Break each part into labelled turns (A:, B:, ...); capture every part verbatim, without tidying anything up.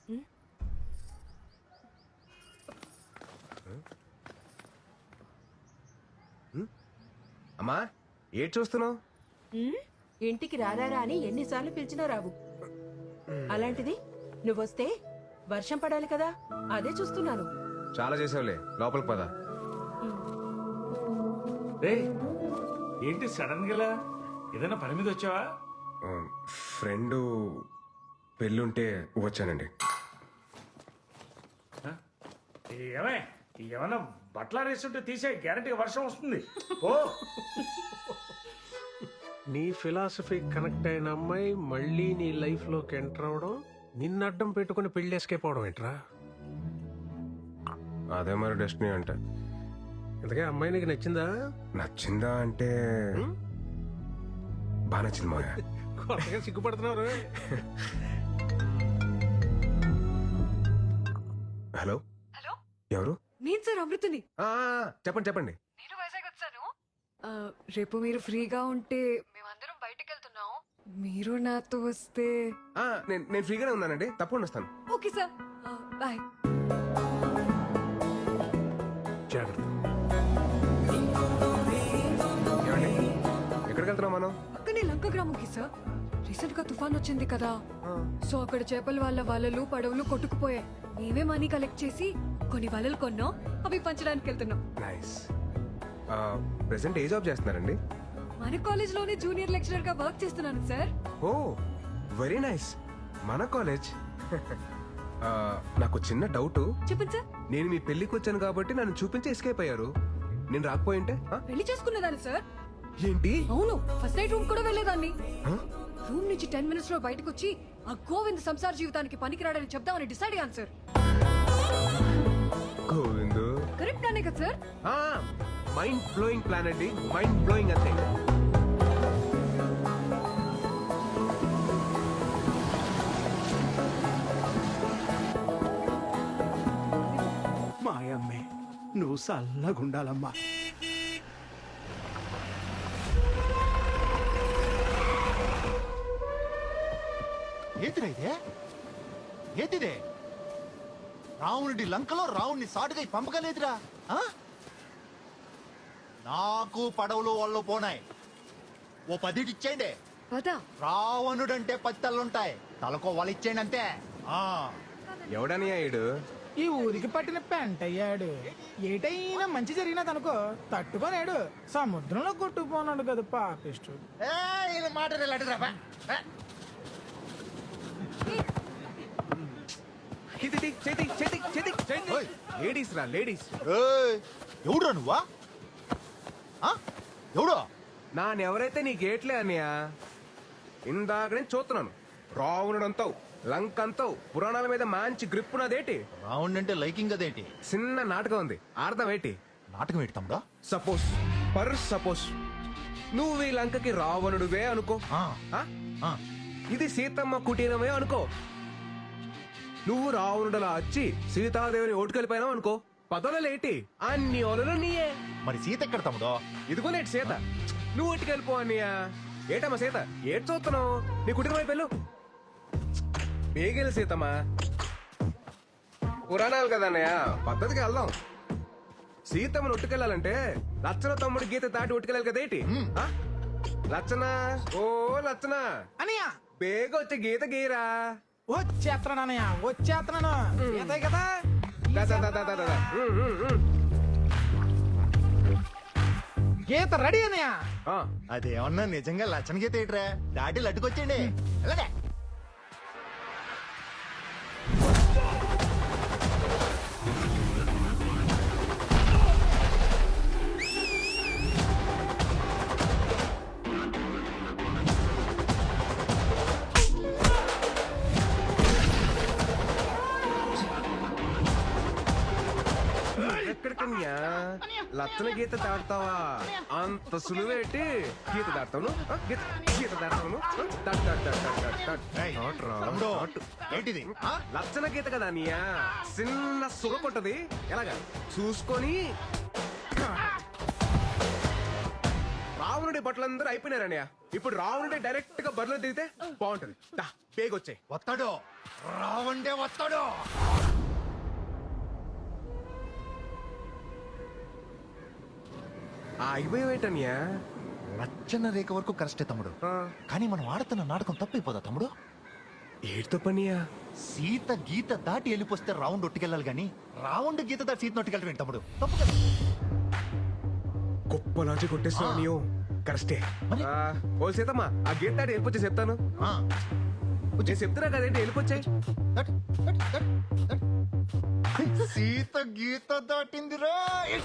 A: అమ్మా ఏం చూస్తున్నావు?
B: ఇంటికి రారా అని ఎన్నిసార్లు పిలిచినా రావు. అలాంటిది నువ్వొస్తే వర్షం పడాలి కదా, అదే చూస్తున్నాను.
A: చాలా చేసావులే, లోపలికి పద.
C: రే ఏంటి సడన్ గా ఏదైనా పని మీద వచ్చావా?
A: ఫ్రెండ్ పెళ్ళుంటే వచ్చానండి.
C: ఏమే ఏమన్నా బట్టలు వేస్తుంటే తీసే, గ్యారంటీగా వర్షం వస్తుంది. ఓ
D: నీ ఫిలాసఫీ కనెక్ట్ అయిన అమ్మాయి మళ్ళీ నీ లైఫ్ లోకి ఎంటర్ అవడం, నిన్ను అడ్డం పెట్టుకుని పెళ్లి ఎస్కేప్ అవడం ఏంట్రా?
A: అదే మరి డెస్టినీ అంటే.
D: ఇంతకే అమ్మాయి నీకు నచ్చిందా?
A: నచ్చిందా అంటే బాగా నచ్చింది మా.
D: కొత్తగా సిగ్గుపడుతున్నారు.
A: హలో
E: హలో,
A: ఎవరు?
E: నేను సార్ అమృతని.
A: ఆ, చెప్పండి చెప్పండి.
E: నేను వైజాగ్ వచ్చాను. ఆ, రేపు మీరు ఫ్రీగా ఉంటే మేమందరం బయటకు వెళ్తున్నాం. మీరు నాతో వస్తే.
A: ఆ, నేను నేను ఫ్రీగానే ఉన్నానండి, తప్పకుండా వస్తాను.
E: Okay sir, bye.
D: జాగ్రత్త.
A: ఏమండి ఎక్కడికి వెళ్తున్నాం మనం?
E: పక్కనే లంక గ్రామంకి సార్. రీసెంట్ గా తుఫాన్ వచ్చింది కదా, సో అక్కడ చేపల వాళ్ళ వలలు పడవలు కొట్టుకుపోయాయి. మేమే మనీ కలెక్ట్ చేసి కొన్ని వలలు కొన్నాం, అవి పంచడానికి వెళ్తున్నాం.
A: నైస్. ప్రెసెంట్ ఏ జాబ్ చేస్తున్నారండి?
E: మన కాలేజ్ లోనే జూనియర్ లెక్చరర్ గా వర్క్ చేస్తున్నాను సార్.
A: Oh very nice. మన కాలేజ్. నాకు చిన్న డౌట్.
E: చెప్పండి సార్.
A: నేను మీ పెళ్లికి వచ్చాను కాబట్టి నన్ను చూపించి ఎస్కేప్ అయ్యారు. నేను రాకపోయింటే ఆ?
E: పెళ్లి చేసుకున్నదాన్ని సార్.
A: ఏంటి?
E: అవును, ఫస్ట్ నైట్ రూమ్ కూడా వెళ్ళేదాన్ని.
A: ఆ?
E: రూమ్ నుంచి టెన్ మినిట్స్ లో బయటకు వచ్చి ఆ గోవింద్ సంసార జీవితానికి పనికిరాడని చెప్దామని డిసైడ్ అయ్యాను సార్.
A: గోవిందు
E: కరెక్ట్ అనే కదా సార్?
A: మైండ్ బ్లోయింగ్ ప్లాన్ అండి, మైండ్ బ్లోయింగ్ అంతే.
F: మాయమ్మే నువ్వు చల్లగుండాలమ్మా.
G: ఏంటిరా ఇదే? ఏంటిదే? రావణుడి లంకలో రావణ్ణి సాటుగా పంపగలేదురా. ఆ? నాకు పడవలు వాళ్ళు పోనాయి, ఓ పదిటిచ్చేయండి.
E: పదా
G: రావణుడంటే పది తలలుంటాయి, తలకో వాళ్ళు ఇచ్చేయండి అంతే. ఆ
A: ఎవడని అయ్యాడు?
H: ఈ ఊరికి పట్టిన పెంట అయ్యాడు. ఏటైనా మంచి జరిగినదనుకో తట్టుకోలేడు, సముద్రంలో కొట్టుకుపోనాడు కదా పాపిష్టుడు.
G: మాట
A: లేడీస్ రా లేడీస్.
G: ఎవడురా నువ్వా? ఎవడో
A: నానెవరైతే నీ గేట్లే అన్నయ్య. ఇందాక నేను చూస్తున్నాను. రావణుడంతావు, లంకంతావు, పురాణాల మీద మంచి గ్రిప్ ఉన్నదేటి.
G: రావణ్ అంటే లైకింగ్ అదేంటి?
A: చిన్న నాటకం ఉంది, అర్థం ఏంటి?
G: నాటకం ఏంటి తమ్ముడా?
A: సపోజ్ పర్ సపోజ్ నువ్వు ఈ లంకకి రావణుడువే అనుకో.
G: ఆ,
A: ఆ?
G: ఆ.
A: ఇది సీతమ్మ కుటీరమే అనుకో. నువ్వు రావణుడలా వచ్చి సీతాదేవిని ఓటుకెళ్ళిపోయినావు అనుకో. పదవులేటి అన్ని ఓలలు నీయే.
G: మరి సీత ఎక్కడ తమ్ముడో?
A: ఇదిగోనేటి సీత. నువ్వు ఓటుకెళ్ళిపో అన్నయ్య. ఏటమ్మా సీత, ఏటి చూస్తున్నావు? నీ కుటుంబం అయిపోయావు. బేగెలు సీతమ్మా. పురాణాలు కదా అన్నయ్య, పద్ధతికి వెళ్దాం. సీతమ్మను ఒట్టుకెళ్ళాలంటే లచ్చన తమ్ముడు గీత దాటి ఒట్టుకెళ్ళాలి కదేటి. ఆ? లచ్చన, ఓ లచ్చన
H: అనియా
A: బేగ వచ్చే గీత గీరా.
H: వచ్చేస్తున్నాను అనయ్య, వచ్చేస్తున్నాను. ఏదే కదా
A: దా, దా, దా, దా, దా, దా. ఉమ్, ఉమ్, ఉమ్.
H: గీత రెడీ అనయ్య.
A: ఆ,
G: అదేమన్నా నిజంగా లచ్చన గీత ఏంట్రా? దాటి లట్టుకొచ్చేయండి. ఎలాగే
A: ఎక్కడికన్యా లచ్చన గీత దాటుతావా? అంత సులువేటి గీత దాటుతాను. ఆ, గీత గీత దాటుతాను. దాటు, దాటు, దాటు, దాటు, దాటు, దాటు.
G: ఏయ్,
A: దాటురా,
G: తమ్ముడు,
A: దాటు.
G: ఏంటిది? ఆ?
A: లచ్చన గీత కదా అన్నయ్య, చిన్న సుగ కొట్టది. ఎలాగా చూసుకొని రావు రావణుడి బట్టలందరూ అయిపోయినారన్నయ్య. ఇప్పుడు రావణుడి డైరెక్ట్ గా బరిలో దిగితే బాగుంటది. దా పేగొచ్చాయి.
G: వస్తాడు రావండే వస్తాడు.
A: అయిపోయేటన్యా.
G: లచ్చన రేఖ వరకు కరెస్టే తమ్ముడు, కానీ మనం ఆడుతున్న నాటకం తప్పైపోదా తమ్ముడు?
A: ఏడుతో పనియా.
G: సీత గీత దాటి వెళ్ళిపోస్తే రౌండ్ ఒట్టుకెళ్ళాలి గాని రౌండ్ గీత దాటి సీత నొట్టుకెళ్ళటం తమ్ముడు తప్పు కదా.
A: గొప్ప లాంచి కొట్టేస్తున్నావు నీవు. కరెస్టే.
G: మరి?
A: ఆ, ఓ సీతమ్మా ఆ గీత దాటి వెళ్ళిపోతే చెప్తాను.
G: ఆ,
A: నేను చెప్తున్నా కదేంటి వెళ్ళిపోచ్చాయి.
G: That, that, that, that. Sita గీత దాటిందిరా.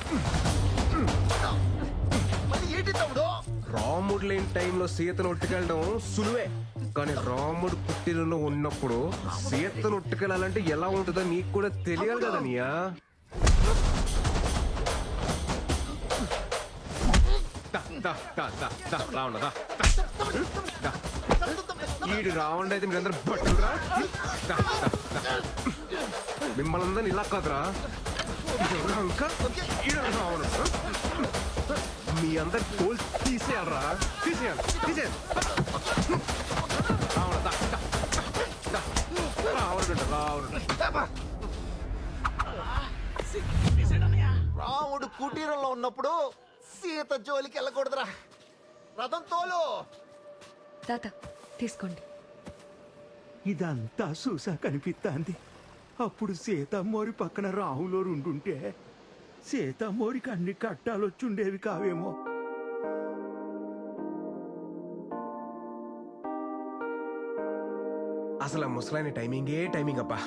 G: మరి ఏంటి తమ్ముడు?
A: రాముడు లేని టైంలో సీతను ఒట్టుకెళ్ళడం సులువే, కానీ రాముడు పుట్టినలో ఉన్నప్పుడు సీతను ఒట్టుకెళ్ళాలంటే ఎలా ఉంటుందో నీకు కూడా తెలియాలి కదా నీయా. దా, దా, దా, దా, దా, రావణ, దా, దా, దా. ఈడు రావణ అయితే మీరందరూ బట్టురా. దా, దా, దా. మిమ్మల్ని అందరిని ఇలా కాదురా. ఇంకా ఈడు రావణ. మీ అందరి కోల్ తీసేయాలరా. తీసేయాలి తీసేయాలి. రావణ, దా, దా, దా. రావణుడు రావణుడు.
G: రాముడు కుటీరంలో ఉన్నప్పుడు సీత జోలికి వెళ్ళకూడదురా. రథం తోలు.
E: తాత తీసుకోండి.
F: ఇదంతా చూసా కనిపిస్తాంది. అప్పుడు సీతమ్మోరి పక్కన రాహులో ఉండుంటే సీతమ్మోరికి అన్ని కట్టాలొచ్చుండేవి కావేమో.
A: అసలు ఆ ముసలాయన టైమింగే టైమింగ్ అబ్బా.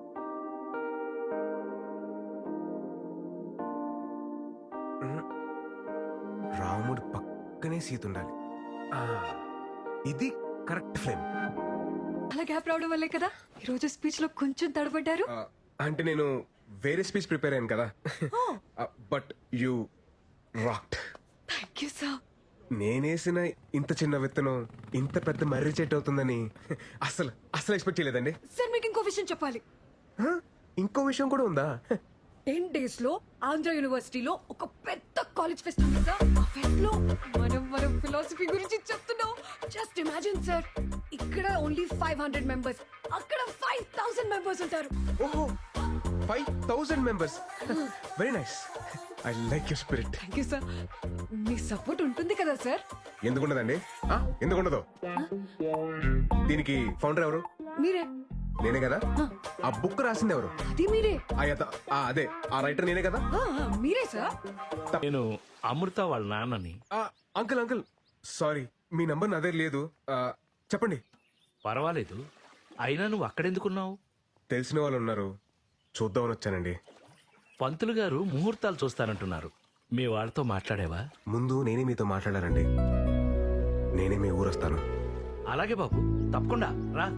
A: ఉమ్. రాముడు పక్కనే సీత ఉండాలి. ఆ, ఇది కరెక్ట్ ఫ్లేమ్.
E: అలా గ్యాప్ రావడం వల్లే కదా ఈరోజు స్పీచ్ లో కొంచెం తడబడ్డారు.
A: ఆ, అంటే నేను వేరే స్పీచ్ ప్రిపేర్ అయ్యాను కదా. But you rocked.
E: Thank you sir.
A: నేనేసిన ఇంత చిన్న విత్తనం ఇంత పెద్ద మర్రి చెట్టు అవుతుందని అసలు అసలు ఎక్స్పెక్ట్ చేయలేదండి.
E: సార్ మీకు ఇంకో విషయం చెప్పాలి.
A: హ? ఇంకో విషయం కూడా ఉందా?
E: టెన్ డేస్ లో ఆంధ్ర యూనివర్సిటీలో ఒక పెద్ద కాలేజ్ ఫెస్ట్ ఉంది సార్. ఆ ఫెస్ట్ లో మనం మనం ఫిలాసఫీ గురించి చెప్తున్నాం. జస్ట్ ఇమాజిన్ సార్, ఇక్కడ ఓన్లీ ఫైవ్ హండ్రెడ్ మెంబర్స్, అక్కడ ఫైవ్ థౌసండ్ మెంబర్స్ ఉంటారు.
A: ఓహో, five thousand members. Very nice. I like your spirit.
E: Thank you sir. మీ సపోర్ట్ ఉంటుంది కదా సార్?
A: ఎందుకుండదండి? ఆ, ఎందుకుండదు? దీనికి ఫౌండర్ ఎవరు?
E: మీరే.
A: నేనే కదా. ఆ బుక్ రాసింది ఎవరు?
E: అది మీరే.
A: ఆ యత- ఆ, అదే ఆ రైటర్ నేనే కదా.
E: ఆ, ఆ, మీరే సార్.
C: నేను అమృత వాళ్ళ నాన్నని.
A: ఆ, అంకుల్ అంకుల్ సారీ, మీ నంబర్ నా దగ్గర లేదు. ఆ, చెప్పండి.
C: పర్వాలేదు, అయినా నువ్వు అక్కడెందుకున్నావు?
A: తెలిసిన వాళ్ళు ఉన్నారు, చూద్దామని వచ్చానండి.
C: పంతులు గారు ముహూర్తాలు చూస్తానంటున్నారు. మీ వాళ్ళతో మాట్లాడేవా?
A: ముందు నేనే మీతో మాట్లాడారండి. నేనే మీ ఊరొస్తాను.
C: అలాగే బాబు, తప్పకుండా రా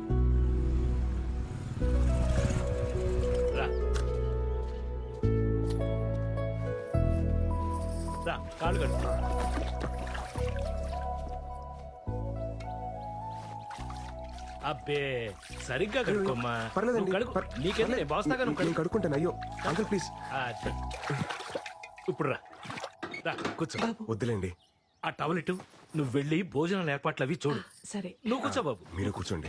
C: రా రా, కాళ్ళు కట్టు. అబ్బే, సరిగ్గా కడుక్కోమ్మా.
A: పర్లేదండి.
C: నువ్వు కడుక్కో.
A: పర్-
C: నీకేందుకు? నేను
A: పర్లేదు.
C: బాస్తాగా నువ్వు
A: నేను
C: కడుక్కో.
A: కడుక్కుంటాను. అయ్యో అంకుల్ ప్లీజ్.
C: అది. ఇప్పుడు రా రా, కూర్చో.
A: వద్దులేండి.
C: ఆ టవల్ ఇటు. నువ్వు వెళ్ళి భోజనాల ఏర్పాట్లు అవి చూడు.
B: సరే.
C: నువ్వు కూర్చో బాబు.
A: మీరు కూర్చోండి.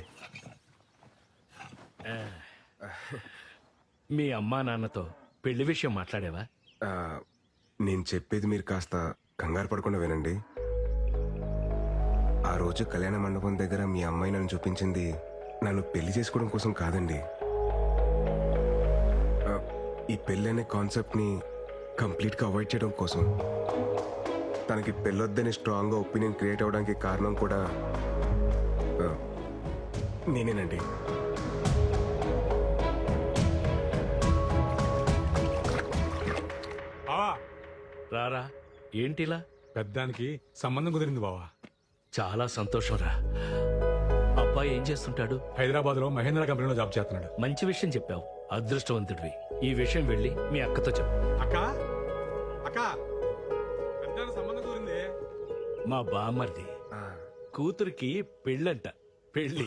C: మీ అమ్మా నాన్నతో పెళ్లి విషయం మాట్లాడేవా?
A: ఆ, నేను చెప్పేది మీరు కాస్త కంగారు పడకుండా వినండి. ఆ రోజు కళ్యాణ మండపం దగ్గర మీ అమ్మాయి నన్ను చూపించింది నన్ను పెళ్లి చేసుకోవడం కోసం కాదండి. ఆ, ఈ పెళ్లి అనే కాన్సెప్ట్ ని కంప్లీట్ గా అవాయిడ్ చేయడం కోసం. తనకి పెళ్ళొద్దని స్ట్రాంగ్ గా ఒపీనియన్ క్రియేట్ అవడానికి కారణం కూడా ఆ, నేనేనండి.
I: బావా,
C: రారా, ఏంటిలా?
I: పెద్దానికి సంబంధం కుదిరింది బావా.
C: చాలా సంతోషం రా. అబ్బాయి ఏం చేస్తుంటాడు?
I: హైదరాబాద్ లో మహేంద్ర కంపెనీలో జాబ్ చేస్తున్నాడు.
C: మంచి విషయం చెప్పావు, అదృష్టవంతుడివి. ఈ విషయం వెళ్ళి మీ అక్కతో చెప్పు.
I: అక్క అక్క పెద్దానికి సంబంధం కుదిరింది.
C: మా బామ్మర్ది
A: ఆ,
C: కూతురికి పెళ్ళంట. పెళ్ళి.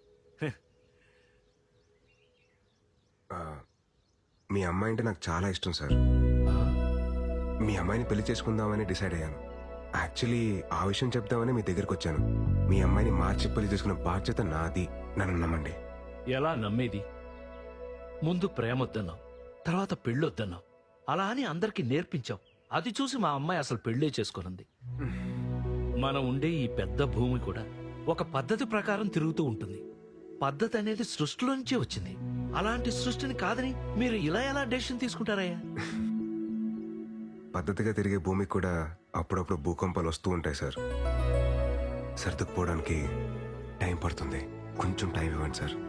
A: ఆ, మీ అమ్మాయి అంటే నాకు చాలా ఇష్టం సార్. మీ అమ్మాయిని పెళ్లి చేసుకుందామని డిసైడ్ అయ్యాను. యాక్చువల్లీ ఆ విషయం చెప్దామని మీ దగ్గరికి వచ్చాను. మీ అమ్మాయిని మార్చి పెళ్లి చేసుకున్న బాధ్యత నాది. నన్ను నమ్మండి.
J: ఎలా నమ్మేది? ముందు ప్రేమొద్దన్నావు, తర్వాత పెళ్ళొద్దన్నావు. అలా అని అందరికీ నేర్పించావు. అది చూసి మా అమ్మాయి అసలు పెళ్ళే చేసుకున్నది. మనం ఉండే ఈ పెద్ద భూమి కూడా ఒక పద్ధతి ప్రకారం తిరుగుతూ ఉంటుంది. పద్ధతి అనేది సృష్టిలో నుంచే వచ్చింది. అలాంటి సృష్టిని కాదని మీరు ఇలా ఎలా డెసిషన్ తీసుకుంటారయ్యా?
A: పద్ధతిగా తిరిగే భూమికి కూడా అప్పుడప్పుడు భూకంపాలు వస్తూ ఉంటాయి సార్. సర్దుకుపోవడానికి టైం పడుతుంది. కొంచెం టైం ఇవ్వండి సార్.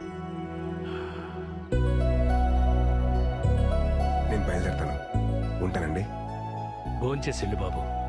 A: నేను బయలుదేరుతాను. ఉంటానండి.
J: భోంచేసి వెళ్ళు బాబు.